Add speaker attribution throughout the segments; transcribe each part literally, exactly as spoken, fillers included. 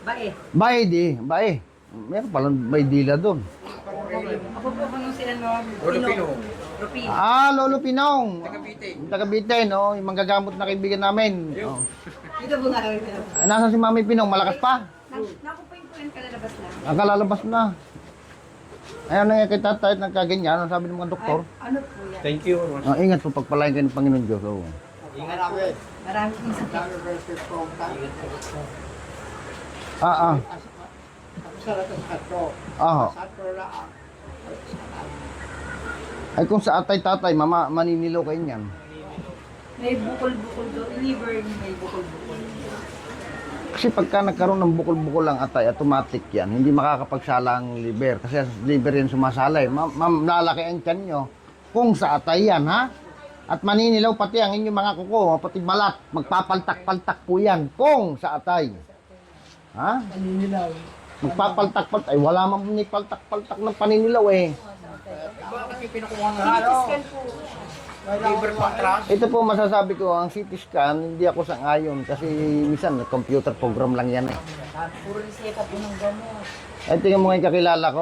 Speaker 1: Bae.
Speaker 2: Bae di, bae. Meron palang may dila doon.
Speaker 1: Ako po kung sila no.
Speaker 3: Lolo Pino.
Speaker 1: Rupino.
Speaker 2: Ah, Lolo Pinong.
Speaker 3: Taga Bite.
Speaker 2: Taga Bite, no? Yung manggagamot na kaibigan namin. Oh.
Speaker 1: Dito po nga kami pinap.
Speaker 2: Ah, Nasaan si Mami Pinong? Malakas pa?
Speaker 1: Naku po yung po yung kalalabas lang.
Speaker 2: Ang kalalabas na. Ayaw na nga kay tatay at nagkaganyan. Ano sabi ng mga doktor?
Speaker 1: Ano po yan?
Speaker 3: Thank you.
Speaker 2: Ah, ingat po pagpalain kayo ng Panginoon Diyos. Oh.
Speaker 3: Ingat po.
Speaker 1: Marami pong sakit.
Speaker 2: Ah, ah. Ah. Ay kung sa atay tatay, mama, maninilaw kayo niyan.
Speaker 1: May bukol-bukol doon. Liver may bukol-bukol.
Speaker 2: Kasi pagka nagkaroon ng bukol-bukol ang atay, automatic yan. Hindi makakapagsala ang liver. Kasi ang liver yan sumasala eh. Ma'am, ma'am, lalaki ang tiyan nyo. Kung sa atay yan, ha? At maninilaw pati ang inyong mga kuko, pati balat. Magpapaltak-paltak po yan. Kung sa atay. Ha?
Speaker 1: Maninilaw.
Speaker 2: Magpapaltak-paltak. Ay, wala mang paltak-paltak ng paninilaw eh.
Speaker 3: Bakit yung pinukuha ng ano?
Speaker 1: Scan po.
Speaker 3: Liver contrast.
Speaker 2: Ito po masasabi ko, ang C T scan, hindi ako sang-ayon. Kasi minsan, computer program lang yan eh.
Speaker 1: Puro reseta po ng gamot.
Speaker 2: Ay, tingnan mo nga yung kakilala ko.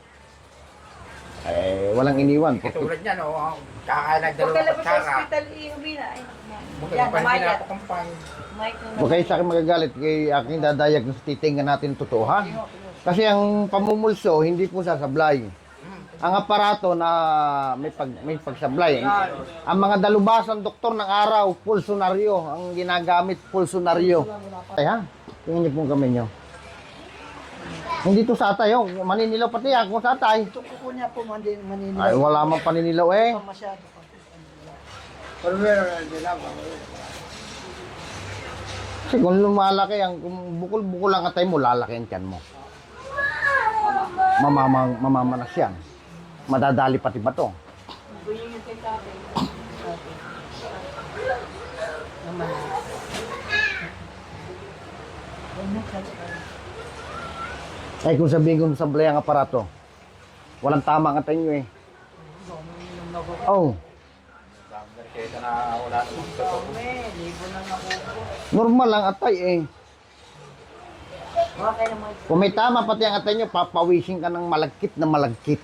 Speaker 2: Eh, walang iniwan.
Speaker 3: Katulad niya, no? Kakalag dalawang
Speaker 1: Pagkalabas sa
Speaker 3: kutsara.
Speaker 1: hospital, iuwi na. Ay,
Speaker 3: Bukod
Speaker 1: yan,
Speaker 3: pa rin
Speaker 1: mayat.
Speaker 3: pinapakumpay.
Speaker 1: Mike na
Speaker 2: Huwag kayo sa akin magagalit kay aking dadiagnose, titingnan natin totoo ha. Kasi ang pamumulso, hindi po sasablay. Ang aparato na may, pag, may pagsablay. Ang mga dalubasan doktor ng araw, pulsonaryo. Ang ginagamit, pulsonaryo. Ay ha, tingnan niyo po ang kamay niyo. Hindi to sa atay, oh. Maninilaw pati yan kung sa atay.
Speaker 1: Ito kuko niya po mandi- maninilaw.
Speaker 2: Ay, wala mang paninilaw eh.
Speaker 1: Pa masyado pa.
Speaker 3: Pero meron na nila.
Speaker 2: Kasi kung lumalaki ang, kung bukol-bukol ang atay mo, lalaki ang tiyan mo. Mamamang, mamamanas yan. Madadali pati ba to?
Speaker 1: Buying yung kay tatay. Naman.
Speaker 2: Ay, kung sabihin kong sablay ang aparato, walang tama ang atay nyo eh. Oh,
Speaker 3: Kaya na wala namang totoo.
Speaker 1: Libo na nakuko.
Speaker 2: normal ang atay eh.
Speaker 1: Okay naman.
Speaker 2: Kung may tama pati ang atay nyo, papawisin ka ng malagkit na malagkit.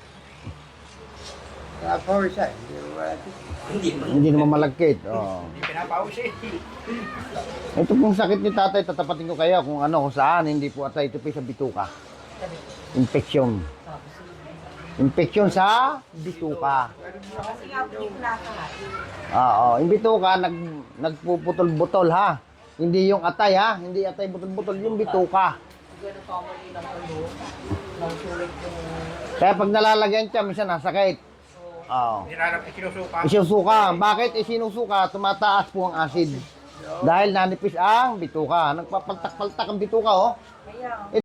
Speaker 3: Ako isa.
Speaker 2: Hindi naman malagkit. Oh.
Speaker 3: Hindi pinapawis eh.
Speaker 2: Ito pong sakit ni tatay, tatapatin ko kayo kung ano, kung saan, hindi po atay, ito po sa bituka. Infection. Infection sa bituka.
Speaker 1: Kasi nga po yung nakahat.
Speaker 2: Oo, yung bituka, nag, nagpuputol-butol ha. Hindi yung atay ha, hindi atay butol-butol, yung bituka.
Speaker 1: Gano'n pa mali ng ano. Nagsulit yung...
Speaker 2: Kaya pag nalalagyan siya, minsan nasakit. Oo.
Speaker 3: Nilalap isinusuka.
Speaker 2: Isinusuka. Bakit isinusuka? Tumataas po ang acid. Dahil nanipis ang bituka. Nagpapaltak-paltak ang bituka, oh.
Speaker 1: Kaya,